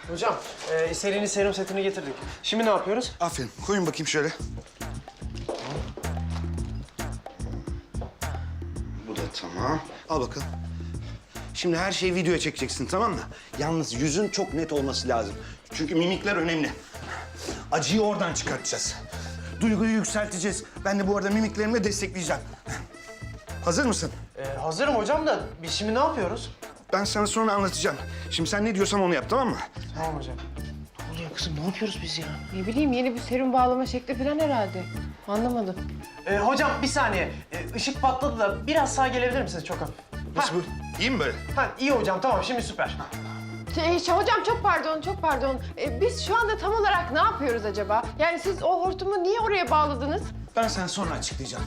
Hocam, serinin serum setini getirdik. Şimdi ne yapıyoruz? Aferin. Koyun bakayım şöyle. Bu da tamam. Al bakalım. Şimdi her şeyi videoya çekeceksin, tamam mı? Yalnız yüzün çok net olması lazım. Çünkü mimikler önemli. Acıyı oradan çıkartacağız. Duyguyu yükselteceğiz. Ben de bu arada mimiklerimle destekleyeceğim. Hazır mısın? Hazırım hocam da biz şimdi ne yapıyoruz? Ben sana sonra anlatacağım. Şimdi sen ne diyorsam onu yap, tamam mı? Tamam hocam. Ne oluyor kızım? Ne yapıyoruz biz ya? Ne bileyim yeni bir serum bağlama şekli falan herhalde. Anlamadım. Hocam bir saniye. Işık patladı da biraz sağa gelebilir misiniz çok hafif? Nasıl bu? İyi mi böyle? Ha, iyi hocam tamam şimdi süper. Hocam çok pardon, çok pardon. Biz şu anda tam olarak ne yapıyoruz acaba? Yani siz o hortumu niye oraya bağladınız? Ben sana sonra açıklayacağım.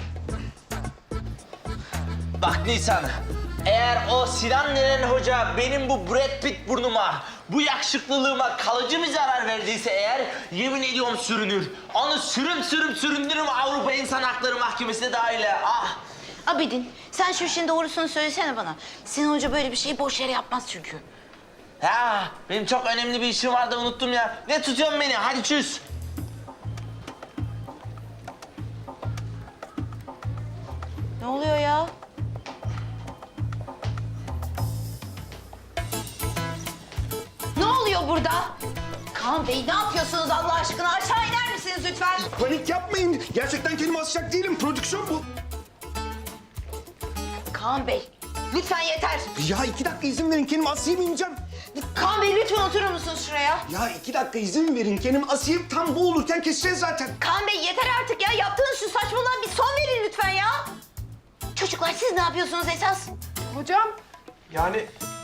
Bak Nisan, eğer o Sinan denen hoca benim bu Brad Pitt burnuma, bu yakışıklılığıma kalıcı bir zarar verdiyse eğer, yemin ediyorum sürünür. Onu süründürürüm Avrupa İnsan Hakları Mahkemesi'ne dahil. Ah! Abidin, sen şu işin doğrusunu söylesene bana. Sinan Hoca böyle bir şeyi boş yere yapmaz çünkü. Ya benim çok önemli bir işim vardı unuttum ya. Ne tutuyorsun beni? Hadi çüz. Ne oluyor ya? Ne oluyor burada? Kaan Bey ne yapıyorsunuz Allah aşkına? Aşağı iner misiniz lütfen? Panik yapmayın. Gerçekten kendimi asacak değilim. Prodüksiyon bu. Kaan Bey, lütfen yeter. Ya 2 dakika izin verin. Kendimi asayım ineceğim. Kaan Bey lütfen oturur musunuz şuraya? Ya 2 dakika izin verin. Kendimi asayım. Tam bu olurken keseceğiz zaten. Kaan Bey yeter artık ya. Yaptığınız şu saçmalığa bir son verin lütfen ya. Çocuklar siz ne yapıyorsunuz esas? Hocam, Yani